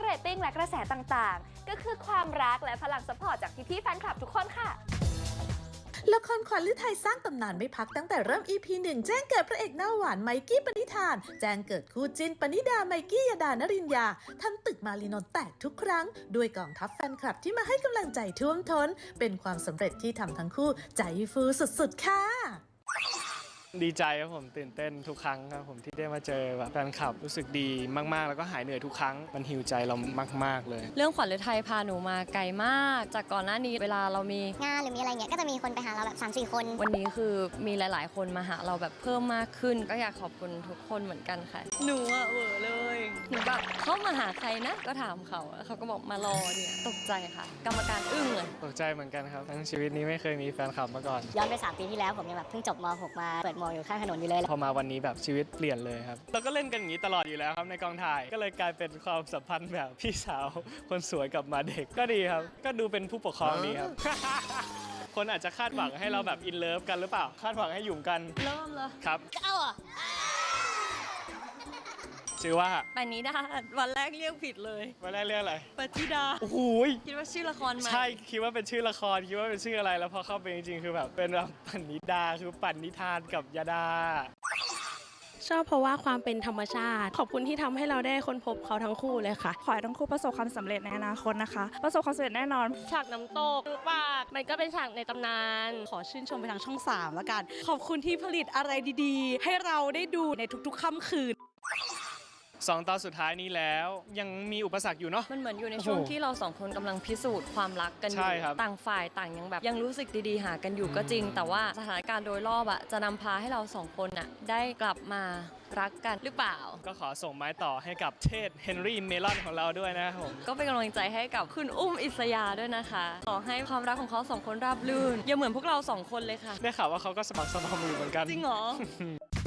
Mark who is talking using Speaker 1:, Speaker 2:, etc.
Speaker 1: รตติ้งและกระแสต่างๆก็คือความรักและพลังซัพพอร์ตจากพี่ๆแฟนคลับทุกคนค่ะ
Speaker 2: ละครขวัญฤทัยสร้างตำนานไม่พักตั้งแต่เริ่ม EP 1 แจ้งเกิดพระเอกหน้าหวานไมกี้ปณิธานแจ้งเกิดคู่จิ้นปณิดาไมกี้ยดานรินยาทำตึกมารีนนท์แตกทุกครั้งด้วยกองทัพแฟนคลับที่มาให้กำลังใจท่วมท้นเป็นความสำเร็จที่ทำทั้งคู่ใจฟูสุดๆค่ะ
Speaker 3: ดีใจครับผมตื่นเต้นทุกครั้งครับผมที่ได้มาเจอแบบแฟนคลับรู้สึกดีมากๆแล้วก็หายเหนื่อยทุกครั้งมันฮีลใจเรามากๆเลย
Speaker 4: เรื่องขวัญฤทัยพาหนูมาไกลมากจากก่อนหน้านี้เวลาเรามี
Speaker 5: งานหรือมีอะไรเงี้ยก็จะมีคนไปหาเราแบบ 3-4 คน
Speaker 4: วันนี้คือมีหลายๆคนมาหาเราแบบเพิ่มมากขึ้นก็อยากขอบคุณทุกคนเหมือนกันค่ะหนูอะเวอร์เลยหนูแบบเขามาหาใครนะก็ถามเขาเขาก็บอกมารอเนี่ยตกใจค่ะกรรมการอึ้งเลย
Speaker 3: ตกใจเหมือนกันครับทั้งชีวิตนี้ไม่เคยมีแฟนคลับมาก่อน
Speaker 5: ย้อนไป3 ปีที่แล้วผมยังแบบเพิ่งจบม.6 มาเปิดม.อยู่ข้างถนนอยู่เลย
Speaker 3: พอมาวันนี้แบบชีวิตเปลี่ยนเลยครับเราก็เล่นกันอย่างนี้ตลอดอยู่แล้วครับในกองถ่ายก็เลยกลายเป็นความสัมพันธ์แบบพี่สาวคนสวยกับมาเด็กก็ดีครับก็ดูเป็นผู้ปกครองดีครับ คนอาจจะคาดหวังให้เราแบบอินเลิฟกันหรือเปล่าคาดหวังให้หยุ่มกัน
Speaker 4: เริ่มเลย
Speaker 3: ครับ
Speaker 5: เอาอ่ะ
Speaker 3: ชื่อว่า
Speaker 4: ปณิดาวันแรกเรียกผิดเลย
Speaker 3: วันแรกเรียกอะไร
Speaker 4: ปณิดา
Speaker 3: โอ้โห
Speaker 4: คิดว่าชื่อละครไหม
Speaker 3: ใช่คิดว่าเป็นชื่อละครคิดว่าเป็นชื่ออะไรแล้วพอเข้าไปจริงๆคือแบบเป็นแบบปณิดาคือปั่นนิทานกับยาดา
Speaker 6: ชอบเพราะว่าความเป็นธรรมชาติขอบคุณที่ทำให้เราได้ค้นพบเขาทั้งคู่เลยค่ะ
Speaker 7: ขอให้ทั้งคู่ประสบความสำเร็จในอนาคตนะคะประสบความสำเร็จแน่นอน
Speaker 6: ฉากน้ำตกปากมันก็เป็นฉากในตำนานขอชื่นชมไปทางช่อง3แล้วกันขอบคุณที่ผลิตอะไรดีๆให้เราได้ดูในทุกๆค่ำคืน
Speaker 3: 2 ตอนสุดท้ายนี้แล้วยังมีอุปสรรคอยู่เนาะ
Speaker 4: มันเหมือนอยู่ในช่วงที่เรา2 คนกำลังพิสูจน์ความรักกันอยู่ต่างฝ่ายต่างยังแบบยังรู้สึกดีๆหากันอยู่ก็จริงแต่ว่าสถานการณ์โดยรอบจะนำพาให้เรา2 คนได้กลับมารักกันหรือเปล่า
Speaker 3: ก็ขอส่งไม้ต่อให้กับเชษเฮนรี่เมลอนของเราด้วยนะครับผม
Speaker 4: ก็เป็นกำลังใจให้กับคุณอุ้มอิสยาด้วยนะคะขอให้ความรักของเขา2 คนราบรื่นอย่าเหมือนพวกเรา2 คนเลยค่ะ
Speaker 3: ได้ข่าวว่าเขาก็สมัครสมอมอยู่เหมือนกัน
Speaker 4: จริงเหรอ